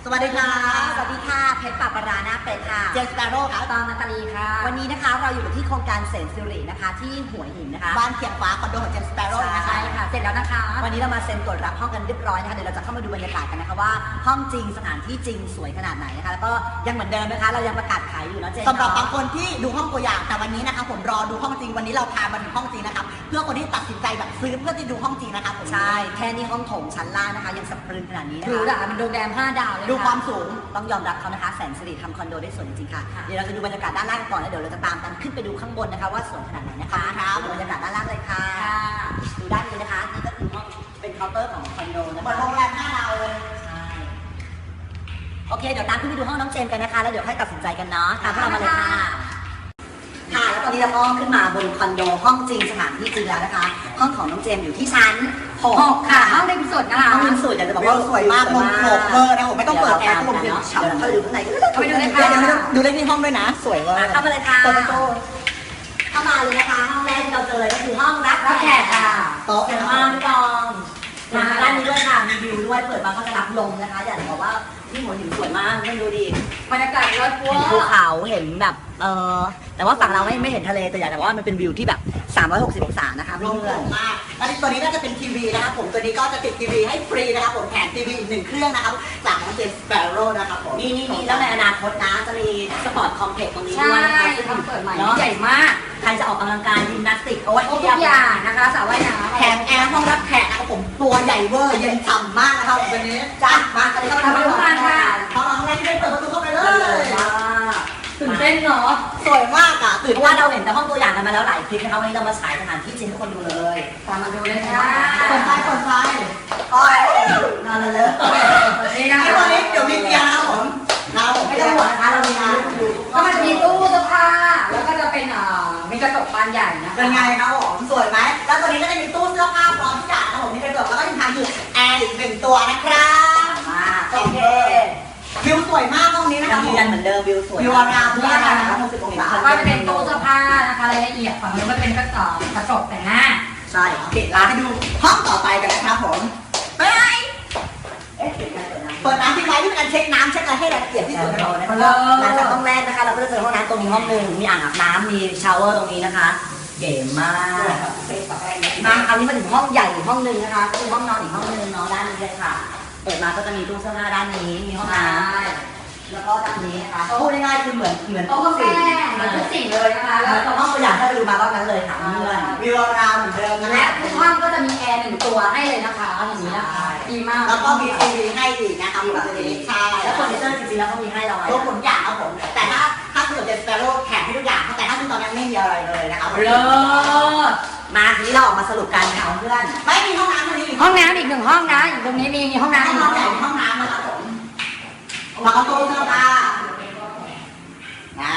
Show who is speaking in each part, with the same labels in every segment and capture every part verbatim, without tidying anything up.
Speaker 1: สวัสดีค่ะ
Speaker 2: สวัสดีค่ะเพชรปาปรานาเป็ดค่ะ
Speaker 1: เจมส์สเปโร่ค่ะ
Speaker 2: ตองนาตาลีค่ะวันนี้นะคะเราอยู่ที่โครงการเสนสิรินะคะที่หัวหินนะคะ
Speaker 1: บ้านเขียงฟ้าคอนโดของเจมส์สเปโร่นะคะ
Speaker 2: ใช่ค่ะเสร็จแล้วนะคะวันนี้เรามาเซ็นตรวจรับห้องกันเรียบร้อยนะคะเดี๋ยวเราจะเข้ามาดูบรรยากาศกันนะคะว่าห้องจริงสถานที่จริงสวยขนาดไหนนะคะแล้วก็ยังเหมือนเดิมนะคะเรายังประกาศขายอยู่นะเจน
Speaker 1: สำหรับบางคนที่ดูห้องตัวอย่างแต่วันนี้นะคะผมรอดูห้องจริงวันนี้เราพามาถึงห้องจริงนะครับเพื่อคนที่ตัดสินใจแบบซื้อเพื่อที่ดูห้องจริงนะคะผม
Speaker 2: ใช่แค่นี้ห้องโถงชั้นล่างนะคะยังสะพรึงขนาดนี้นะคะ
Speaker 3: หรูหราเป็นโรงแรมห้าดาวเลย
Speaker 1: ดูความสูง
Speaker 2: ต้องยอมรับเขานะคะแสนสิริทำคอนโดได้สวยจริงๆค่ะเดี๋ยวเราจะดูบรรยากาศด้านล่างก่อนแล้วเดี๋ยวเราจะตามกันขึ้นไปดูข้างบนนะคะว่าสวยขนาดไหนนะคะดูบรรยากาศด้านล่างเลยค่ะดูด้านนี้นะคะนี่ก็คือห้องเป็นเคาน์เตอร์ของคอนโดนะคะ
Speaker 1: เหมือนโรงแรมห้าดาวเลย
Speaker 2: ใช่โอเคเดี๋ยวตามขึ้นไปดูห้องน้องเจมส์กันนะคะแล้วเดี๋ยวค่อยตัดสินใจกันเนาะตามพวกเรามาเลยค่ะค่ะแล้วตอนนี้เราก็ขึ้นมาบนคอนโดห้องจริงสถานที่จริงแล้วนะคะห้องของน้องเจมส์อยู่ที่ชั้นหก
Speaker 3: ค่ะห้องริมสุดนะคะ
Speaker 2: ห้องริมสุดอยากจะบอกว่า
Speaker 1: สวยมากลมโกรกเวอร์นะผมไม่ต้องเปิดแอร์ก็ลมเย็นฉ่ำ
Speaker 2: เดี๋ยวเราไปดูข้างในกัน
Speaker 3: ไปดูเลยค่ะ
Speaker 1: เดี๋ยวดูเลขที่ห้องด้วยนะสวยเวอร์
Speaker 2: เข้ามาเลยค่ะ
Speaker 1: เปิดประตู
Speaker 2: เข้ามาเลยนะคะห้องแรกที่เราเจอเลยก็คือห้องรับแขกค่ะ
Speaker 1: โต๊ะ
Speaker 2: เจ๋งมากพี่กองมาด้านนี้ด้วยค่ะมีวิวด้วยเปิดมาก็จะรับลมนะคะอยากจะบอกว่าที่หัวหินสวยมากไม่ดูดิ
Speaker 3: บรรยากาศรถพัว
Speaker 2: เห็นภูเขาเห็นแบบเออแต่ว่าฝั่งเราไม่ไม่เห็นทะเลแต่อยากจะบอกว่ามันเป็นวิวที่แบบสามร้อยหกสิบองศานะคะ
Speaker 1: ล
Speaker 2: เพื่
Speaker 1: มโกร
Speaker 2: อน
Speaker 1: กมากแล้วตัวนี้ก็จะเป็นทีวีนะครับผมตัวนี้ก็จะติดทีวีให้ฟรีนะครับผมแถมทีวีอีกหนึ่งเครื่องนะครับจากน้องเจมส์สเปโร่นะครับผม
Speaker 2: นี่นี่นี่แล้วในอนาคตนะจะมีสปอร์ตคอมเพล็กซ์ตรงนี้
Speaker 3: ใช่
Speaker 2: ด้วยนะคะซึ่ง
Speaker 3: ทำเปิดใหม่
Speaker 2: เนาะ
Speaker 3: ใหญ่มาก
Speaker 2: ใครจะออกกำลังกายยิมนาสติกโอ้ย
Speaker 3: ทุกอย่างนะคะสระว่ายน้ำ
Speaker 1: แถมแอร์ห้องรับแขกนะครับผมตัวใหญ่เวอร์เย็นฉ่ำมากนะครับวันนี้จ้ามากันเลยเข้าไปดูกันค่ะห้องแรกที่ได้เปิดประตูเข้าไปเลย
Speaker 3: ตื่นเต้นเนาะ
Speaker 1: สวยมากอ่ะตื่น
Speaker 2: เพราะว่าเราเห็นแต่ห้องตัวอย่างกันมาแล้วหลายคลิปนะคะวันนี้เรามาฉายสถานที่จริงให้คนดูเลย
Speaker 3: ตามมาดูเลยค่ะ
Speaker 1: เปิดไฟเปิดไฟโอ้ยนอนเลยนี่นะตอนนี้เดี๋ยวมีเตียงนะครับผมเราไม่ต้องห่วงนะคะเรามีน้ำอยู่
Speaker 3: ก็มันมีตู้เสื้อผ้าแล้วก็จะเป็นเอ่อมีกระจกบานใหญ่นะคะ
Speaker 1: เป็นไงครับผมสวยไหมแล้วตัวนี้ก็จะมีตู้เสื้อผ้าพร้อมทุกอย่างนะครับผมมีกระจกแล้วก็ยังทำอยู่แอร์อีกหนึ่งตัวนะครับ
Speaker 2: มาโอเค
Speaker 1: วิวสวยมากห้องนี้นะค
Speaker 2: ยั
Speaker 1: รั
Speaker 2: ง
Speaker 1: บ
Speaker 2: ยืนยันเหมือนเดิมวิวสวย
Speaker 1: วิวอารามด้วยนะครับหกสิบองศา
Speaker 3: ก็จะเป็นตู้เสื้อผ้านะคะรายละเอียดฝั่งนู้นก็เป็นกระจกกระจกแต่งหน้า
Speaker 2: ใช่
Speaker 1: โอเคลาไปดูห้องต่อไปกันนะครับผมไป
Speaker 2: เอ๊ะเปิดน้ำเปิดน้ำ
Speaker 1: เปิดน้ำทิ้งไว้ที่เป็นการเช็คน้ำเช็คอะไรให้ละเอียดที่สุดนะครับ
Speaker 2: หลังจากห้องแรกนะคะเราก็จะเจอห้องน้ำตรงนี้ห้องหนึ่งมีอ่างอาบน้ำมีชาวเวอร์ตรงนี้นะคะเก๋มากมาคราวนี้มาถึงห้องใหญ่อีกห้องหนึ่งนะคะก็คือห้องนอนอีกห้องหนึ่งเนาะด้านนี้เลยค่ะเปิดมาก็จะมีตู้เสื้อผ้าด้านนี้มีห้องน้ำแล้วก็ด้านนี้นะคะพูดง่ายๆคือเหมือนเหมือน
Speaker 3: โต๊ะกาแฟเหมือนทุกสิ่งเลยนะคะ
Speaker 2: แล้
Speaker 3: แล้ว ว
Speaker 2: ห้องตัวอย่างถ้าไปดูมาก็นั้นเลยค่ะเพื่อน
Speaker 1: วิวอารามเหมือนเดิมนะ
Speaker 3: และทุกห้องก็จะมีแอร์หนึ่งตัวให้เลยนะคะอย่างนี้นะคะดีมาก
Speaker 1: แล้วก็มีทีวีให้อีกนะครับแบบนี้ใช่
Speaker 2: แล้วเฟอร์นิเจอร์จริงๆแล้วเขามีให้เรา
Speaker 1: ตัวผลอย่างครับผมแต่ถ้าถ้าซื้อกับเจสเปโร่แถมให้ทุกอย่างแต่ถ้าซื้อตอนนี้ไม่มีอะไรเลยนะครับ
Speaker 3: เลิศ
Speaker 2: มาทีนี้เราออกมาสรุปกันค่ะเพื่อน
Speaker 1: ไม่มีห้องน้ำตรงนี้
Speaker 3: ห้องน้ำอีกหนึ่งห้องนะอีกตรงนี้มีห้องน้ำ
Speaker 1: ให้
Speaker 3: อีก
Speaker 1: ห้องใหญ่ห้องน้ำนะครับผมแล้วก็ตู้เสื้อผ้าว้าว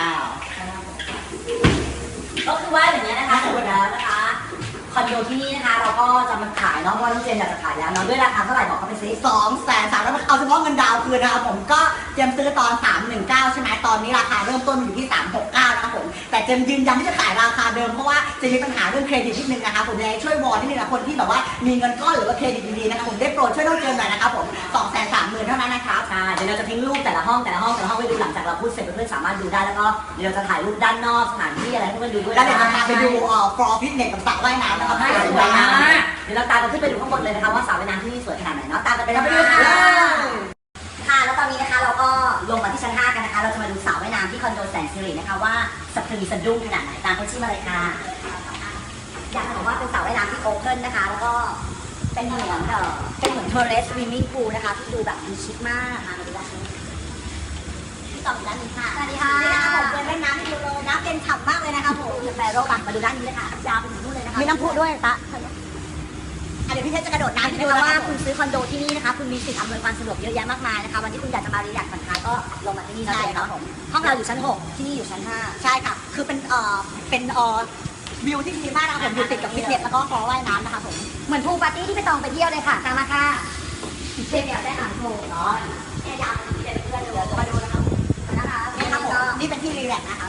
Speaker 2: ก็คือว่าอย่างเงี้ยนะคะสรุปแล้วนะคะคอนโดที่นี่นะคะเราก็จะมาขายเนาะเพราะว่าน้องเจนอยากจะขายแล้วเนาะด้วยราคาเท่าไหร่บอกเขาไปซิ
Speaker 1: สองแสนสามแล้วเอาเฉพาะเงินดาวคืนนะครับผมก็เจมซื้อตอนสามหนึ่งเก้าใช่ไหมตอนนี้ราคาเริ่มต้นอยู่ที่สามหกเก้านะครับผมแต่เจมยืนยันที่จะขายราคาเดิมเพราะว่าจะมีปัญหาเรื่องเครดิตนิดนึงนะคะผมยังไงช่วยวอนนิดนึงนะคนที่แบบว่ามีเงินก้อนหรือว่าเครดิตดีๆนะคะผมได้โปรดช่วยน้องเจมหน่อยนะครับผมสองแสนสามหมื่นเท่านั้นนะครับ
Speaker 2: ใช่เดี๋ยวเราจะทิ้งรูปแต่ละห้องแต่ละห้องแต่ละห้องไปดูหลังจากเราพูดเสร็จเพื่อนๆสามารถดูได้แล้วก็เดี๋ยวเราจะถ่ายรูปด้านนอกสถานที่อะไรให้เพื่อนๆดูด้วย
Speaker 1: แล้วเดี๋ยวจะพาไปดูเอ่อฟลอร์ฟิตเนสกับสระว่ายน้ำนะครับ
Speaker 2: ให้สวยมากเดี๋ยวเราตามกันขึ้นไปดูข้างบนเลยนะคะว่าสระว่ายน้ำที่นี่สวยขนาดไหนเนาะตามกันไปเลยค่ะค่ะแล้วตอนนี้นะคะเราก็ลงมาที่ชั้นห้ากันนะคะเราจะมาดูสระว่ายน้ำที่คอนโดแสนสิรินะคะว่าสะพรึงสะดุ้งขนาดไหนตามเขาชื่อมาเลยค่ะอยากจะบอกว่าเป็นสระว่ายน้ำที่โอเพ่นนะคะแล้วก็เป็นเหมือนเออเป็นเหมือนเทอร์เรสวิมมิ่งพูลนะคะที่ดูแบบมีชิคมากมาดูด้านนี้ที่ต่อด้านนี้ค่ะ
Speaker 1: สวัสดีค่ะผมเล่นน้ำที่ดูเลยน้ำเป็นฉ่ำมากเลยนะครับผม
Speaker 2: แฟโร่ปักมาดูด้านนี้เลยค่ะยาวไปถึงนู่นเลยนะคะ
Speaker 1: มีน้ำพุด้วยตะเดี๋ยวพี่เพชรจะกระโดดน้ำให้ดู
Speaker 2: ดู
Speaker 1: นะ
Speaker 2: ว่า
Speaker 1: ว่า
Speaker 2: คุณซื้อคอนโดที่นี่นะคะคุณมีสิทธิ์อำนวยความสะดวกเยอะแยะมากมายนะคะวันที่คุณอยากจะมารีแลกซ์ผ่อนคลายก็ลงมาที่นี่ได้ครับผมห้องเราอยู่ชั้นหกที่นี่อยู่ชั้นห้า
Speaker 1: ใช่ค่ะ คือเป็นเอ่อเป็นเอ่อวิวที่ดีมากนะครับผมอยู่ติดกับฟิตเนสแล้วก็ฟลอร์ว่ายน้ำนะคะผม
Speaker 3: เหมือนพูลปาร์ตี้ที่ไปตองไปเที่ยวเลยค่ะตามมาค่ะเชฟอยากได้อ่างโถง
Speaker 2: เนาะแค่ยาวไปที่เด็กเพื่อนเดี๋ยวจะมาดูนะครับ
Speaker 3: นะคะ
Speaker 1: นี่ครับผมนี่เป็นที่รีแลกซ์นะคะ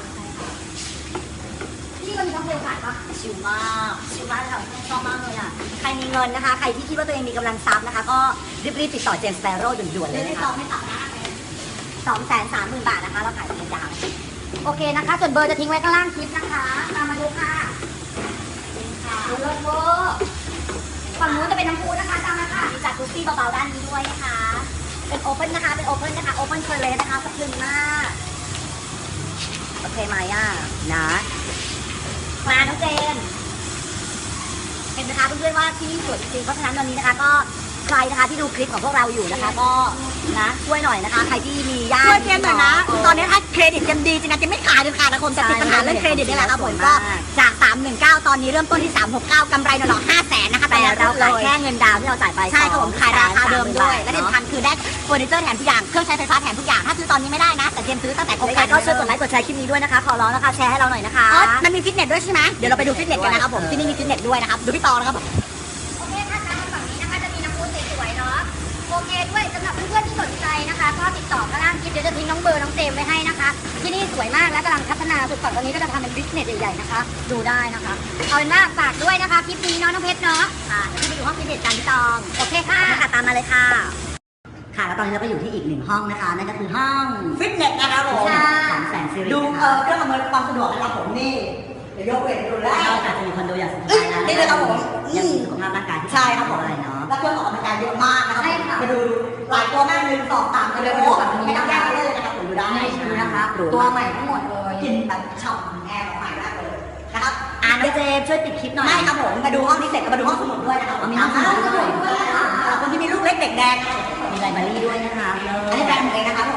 Speaker 3: ที่มันมีน้ำเพลขายปะ
Speaker 2: ชิลมากชิลมากเลยค่ะชอบมากเลยอ่ะใครมีเงินนะคะใครที่คิดว่าตัวเองมีกำลังทรัพย์นะคะก็รีบๆติดต่อเจมส์สเปโร่ด่วนๆเลย
Speaker 1: ไม่
Speaker 2: นะ
Speaker 1: ต้อ
Speaker 2: คะ
Speaker 1: งไม่ตัดหน้าเลย
Speaker 2: สองแสนสามหมื่นบาทนะคะเราขายเป็นดาว
Speaker 3: โอเคนะคะ ส่วนเบอร์จะทิ้งไว้ข้างล่างคลิปนะคะตามมาดูค่ะดูรถเวอร์ฝั่งนู้นจะเป็นน้ำพุนะคะตามมาค่ะ
Speaker 2: มีจัดกุ๊ซี่เบาๆด้านนี้ด้วยนะคะ เป็นโอเพ่นนะคะ เป็นโอเพ่นนะคะ โอเพ่นเคอร์เลสนะคะสะพรึงมาก โอเคไหมอ่ะ นะ มาน้องเจน เห็นไหมคะเพื่อนๆว่าที่นี่สวยจริงๆ เพราะฉะนั้นวันนี้นะคะก็ใครนะคะที่ดูคลิปของพวกเราอยู่นะคะ ก็นะช่วยหน่อยนะคะ ใครที่มีญาติ
Speaker 1: ช่วยเจมส์หน่อยนะ ตอนนี้ถ้าเครดิตเจมส์ดีจริงนะเจมส์ไม่ขายเลยค่ะนะคนจะติดปัญหาเรื่องเครดิตนี่แหละครับผมก็จากสามหนึ่งเก้าตอนนี้เริ่มต้นที่สามหกเก้ากำไรหน่อๆห้าแสนนะคะ
Speaker 2: แต่เรา
Speaker 1: เล
Speaker 2: ขาย
Speaker 1: ย
Speaker 2: แค่เงินดาวน์ที่เราจ่ายไป
Speaker 1: ใช่ครับผมขายราคาเดิมด้วย และที่
Speaker 2: เนาะ
Speaker 1: สำคัญคือได้เฟอร์นิเจอร์แถมทุกอย่าง เครื่องใช้ไฟฟ้าแถมทุกอย่าง ถ้าซื้อตอนนี้ไม่ได้นะ แต่เจมส์ซื้อตั้งแต่โครง
Speaker 2: ยัง
Speaker 1: กา
Speaker 2: ไง
Speaker 1: ร
Speaker 2: ก็ช่วยกดไลค์กดแชร์คลิปนี้ด้วยนะคะ ขอร้องนะคะแชร์ให้เราหน่อยนะคะ
Speaker 1: อ๋อมันมีฟิตเนสด้วยใช่ไหมเดี๋ยวเราไปดูฟิตเนสกันนะครับผม ที่นี่มีฟิตเนสด้วยนะครับ ดูพี่ตองนะครับ
Speaker 3: โอเคค่ะตามมาฝั่งนี้นะคะจะมีน้ำพุสวยๆเนาะโอเคด้วยสำหรับเพื่อนๆที่สนใจนะคะก็ติดต่อข้างล่างคลิปเดี๋ยวจะทิ้งน้องเบอร์น้องเจมไว้ให้นะคะ ที่นี่สวยมากและกำลังพัฒนาสุดฝั่งตอนนี้ก็จะทำเป็นบิสเนสใหญ่ๆนะคะ ดูได้นะคะเอาเป็นว่าฝากด้วยนะคะคลิปนี้เนาะน้องเพชรเนาะ
Speaker 2: ค่ะเดี๋ยวพี่ไปดูห้องฟิตเนสกันพี่ตอง
Speaker 3: โอเคค่ะ
Speaker 2: ค่ะตามมาเลยค่ะ ค่ะแล้วตอนนี้เราก็อยู่ที่อีกหนึ่งห้องนะคะ นั่นก็คือห้อง
Speaker 1: ฟิตเนสนะครับผม
Speaker 2: ของแสนสิริ
Speaker 1: ดู
Speaker 2: นะ
Speaker 1: เอ
Speaker 2: คะ
Speaker 1: อเครื่องอำนวยความสะดวกนะครับผมนี่ เดี๋ยวยกเวทดูแล
Speaker 2: เราอาจจะมีคอนโดอย่างสบายนะ
Speaker 1: นี่เลยครับผม
Speaker 2: ยังมีสุขภาพร่างกายที่
Speaker 1: ใช่ครับผม
Speaker 2: อะไรเนาะ
Speaker 1: แล้วเครื่องออกกำลังกายเยอะมากนะครับ
Speaker 3: ใช่ค่ะ
Speaker 1: มาดูหลายตัวแม่หนึ่งสองสามกันเลยไม่ต้องแยกเลยนะครับผมดูได้
Speaker 2: ดูนะคะหรู
Speaker 1: ตัว
Speaker 2: มาก
Speaker 1: ใหม่ทั้งหมดเลยกินแบบฉ่ำแอร์ใหม่มากเลยนะครับ
Speaker 2: อ่าน้องเจมส์ช่วยปิดคลิปหน่อย
Speaker 1: ไม่ครับผมมาดูห้องนี้เสร็จก็มาดูห้องสมุดด้วยนะครับ
Speaker 2: มีห้องสมุดด้วย
Speaker 1: อ่าคนที่มีลูกเล็กเด็กแดง
Speaker 2: มีไลบรารีด้วยนะคะ
Speaker 1: อันนี้แบรนด์ผมเองนะครับผม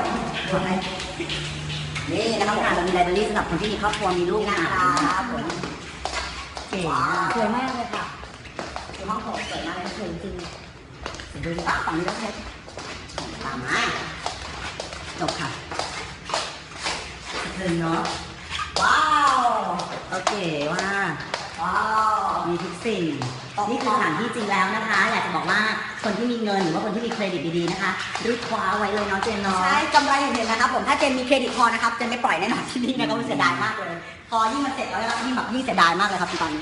Speaker 2: นี่นะคะผมเรามีไลบรารีสำหรับคนที่มีครอบครัวมีลูก
Speaker 1: นี่
Speaker 2: นะ
Speaker 1: นะครับผม
Speaker 2: เก๋
Speaker 1: ว้าม
Speaker 2: าก
Speaker 1: วสวยมากเลยค่ะคือห้องผมสวยมากเลยสวยจริงๆดูฝาฝั่งนี้ก็เพชรตามมา
Speaker 2: จบค่ะเทินเนาะ
Speaker 1: ว้าว
Speaker 2: โอเคว่า
Speaker 1: ว้าว
Speaker 2: มีทุกสิ่ง นี่คือสถานที่จริงแล้วนะคะ อยากจะบอกว่าคนที่มีเงินหรือว่าคนที่มีเครดิตดีๆนะคะรีบคว้าไว้เลยเนาะเจนเนาะ
Speaker 1: ใช่กำไรเห็นๆนะครับผมถ้าเจนมีเครดิตพอนะครับเจนไม่ปล่อยแน่นอนที่นี่นะครับเสียดายมากเลย พอยิ่งมันเสร็จแล้วนะครับยิ่งแบบยิ่งเสียดายมากเลยครับตอนนี้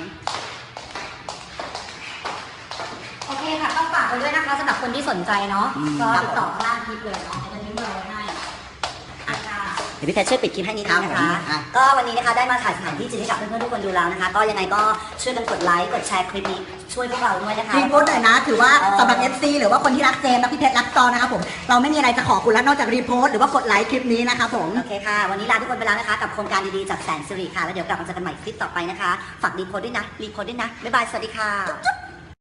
Speaker 3: โอเคค่ะต้องฝากไปด้วยนะคะสำหรับคนที่สนใจเนาะ
Speaker 2: อืม
Speaker 3: ก็ติดต่อข้างล่างคลิปเลยเนาะจะทิ้งเบอร์ไว้ให้อ่ะค่ะ
Speaker 2: เดี๋ยวพี่เพชรช่วยปิดคลิปให้นิดนึงนะคะ
Speaker 1: อ่ะ
Speaker 2: ก็วันนี้นะคะได้มาถ่ายสถานที่จริงให้กับเพื่อนๆทุกคนดูแล้วนะคะ ก็ยังไงก็ช่วยกันกดไลค์ กดแชร์คลิปนี้ช่วยพวกเราด้วยนะคะ
Speaker 1: รีโพสต์หน่อยนะ ถือว่า
Speaker 2: เออ
Speaker 1: สำหรับ เอฟ ซี หรือว่าคนที่รักเจมส์และพี่เพชรรักตอนนะครับผม เราไม่มีอะไรจะขอคุณแล้วนอกจากรีโพสต์หรือว่ากดไลค์คลิปนี้นะครับผม
Speaker 2: โอเคค่ะ วันนี้ลาทุกคนไปแล้วนะคะ กับโครงการดีๆจากแสนสิริค่ะ แล้วเดี๋ยวกลับมาเจอกันใหม่คลิปต่อไปนะคะ ฝากรีโพสต์ด้วยนะ รีโพสต์ด้วยนะ บ๊ายบาย สวัสดีค่ะ